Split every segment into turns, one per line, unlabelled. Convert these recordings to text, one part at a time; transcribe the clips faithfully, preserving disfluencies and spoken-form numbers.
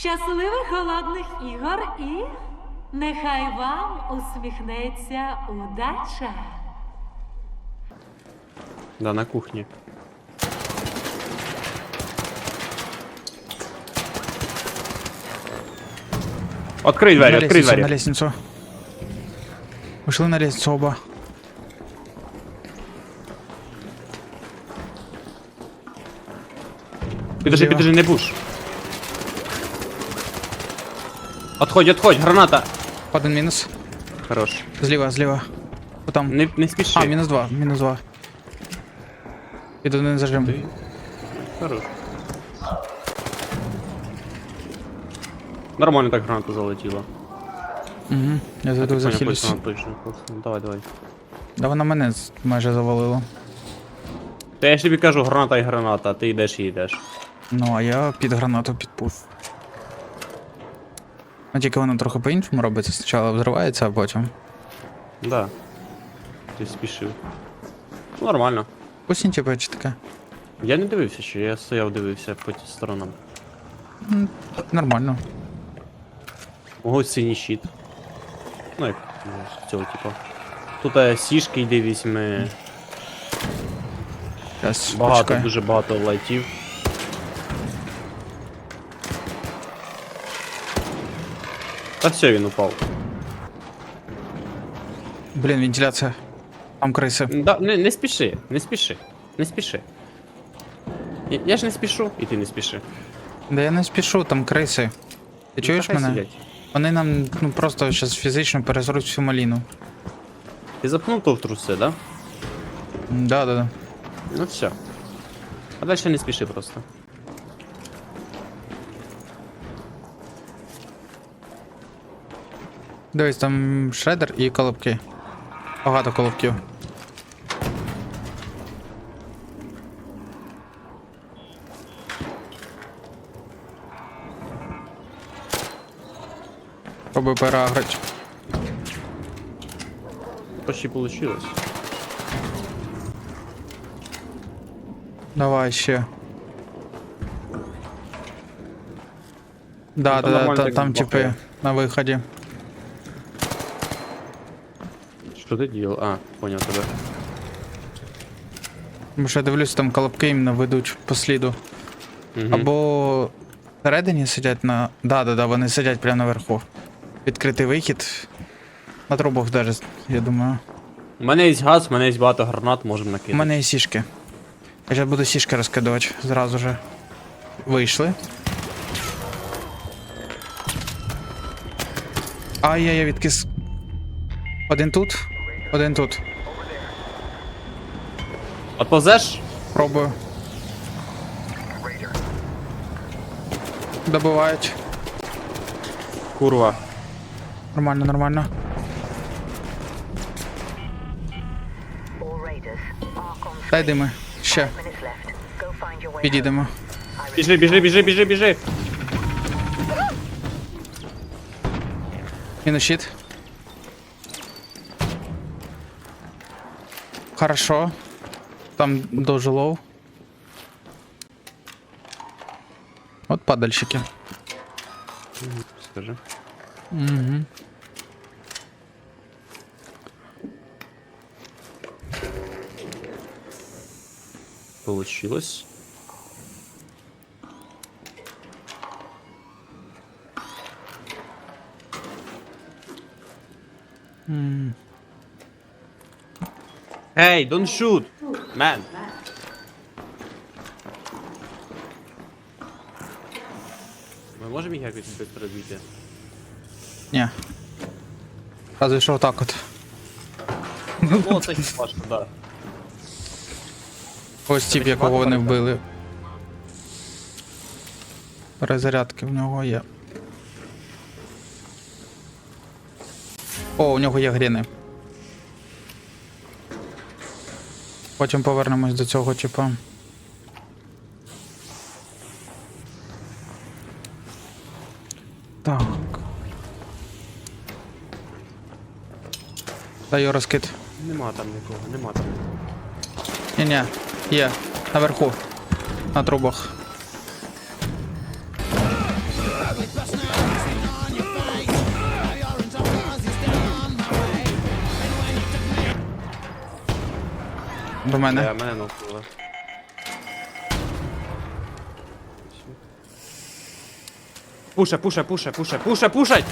Щасливих голодних ігор і нехай вам усміхнеться удача.
Да, на кухні. Открий двері,
На
открий
лестницу,
двері.
на лестницу. Ушли на лестницу оба.
Підожди,
Зліва.
підожди, не буш. Отходь, отходь, граната.
Один мінус.
Хорош.
Зліва, зліва. Потом.
Не, не спіши.
А, мінус два, мінус два. Під один зажим.
Ти- Хорош. Нормально так граната залетіла.
Угу. Я зайду
Понял,
захилюсь.
точно, точно. Давай, давай.
Да вона мене з- майже завалила.
Та я ж тобі кажу, граната і граната, а ти йдеш і йдеш.
Ну, а я під гранату підпув. Ну тільки воно трохи по-іншому робиться. Спочатку взривається, а потім.
Да. Ти спішив. Ну, нормально.
Пусть типу чи таке.
Я не дивився ще, я стояв, дивився по ті сторонам.
М, Нормально.
Мого синій щит. Ну як ну, з цього типу. Тут е, сішки йди візьми.
Зараз,
Багато,
почекай.
дуже багато лайтів. Та все, він упав.
Блін, вентиляція. Там криси.
Да, не, не спіши, не спіши, не спіши. Я, я ж не спішу, і ти не спіши.
Да я не спішу, там криси. Ти чуєш
Ну, та хай
мене?
сидять.
Вони нам ну просто зараз фізично перезруть всю маліну.
Ти запхнув то в труси, да?
М, Да, да, да.
Ну все. А далі не спіши просто.
Дивись, там шредер і колобки. Багато колобків. Пробуй переагрити.
Почти получилось.
Давай ще. Да,
Ну, там
да, да,
нормально
та-
так
там типи
бахає.
на виході.
Що ти діяв? А, поняв тебе.
Бо що я дивлюсь, там колобки іменно ведуть по сліду.
Угу.
Або всередині сидять на. Да, да, да, вони сидять прямо наверху. Відкритий вихід. На трубах даже, я думаю.
У мене є газ, у мене є багато гранат, можемо
У
накидати.
мене є сішки. Я зараз буду сішки розкидувати зразу же. Вийшли. Ай, я, я відкис. Один тут, один тут.
Отповзеш?
Пробую. Добивають.
Курва.
Нормально, нормально. Дай дими. Ще. Підійдемо.
Біжи, біжи, біжи, біжи, біжи.
Мінус щит. Хорошо. Там дуже лоу. От падальщики.
Скажи.
Угу.
Получилось. Hey, don't shoot, man. Ми можемо їх якось без перебити?
Ні. Разве що отак от.
Ну, це важко, да.
Ось тип, якого вони вбили. Перезарядки в нього є. О, у нього є гріни. Потім повернемось до цього, типа. Так. Даю розкид.
Нема там нікого, нема там.
Ні-ні, є. Наверху. На трубах. До мене.
Я, мене нокнули. Пуша, пуша, пуша, пуша, пуша, пушать!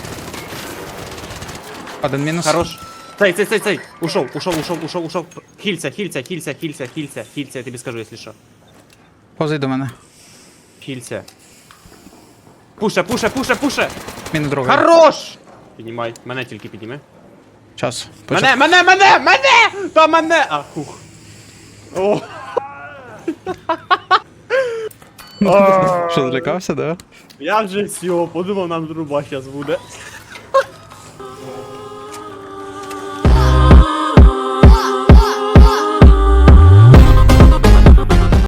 Один мінус.
Хорош. Цей, цей, цей, цей. Ушов, ушов, ушов, ушов, ушов. Хильця, хильця, хильця, хильця, хильця, хильця, я тобі скажу, якщо що.
Повзи до мене.
Хильця. Пуша, пуша, пуша, пуша!
Мінус другий.
Хорош! Піднімай, мене тільки підніми.
Час.
Мене, мене, мене, мене! Та мене! А, хух. О,
Що, злякався, да?
я вже все, подумав, нам труба зараз буде.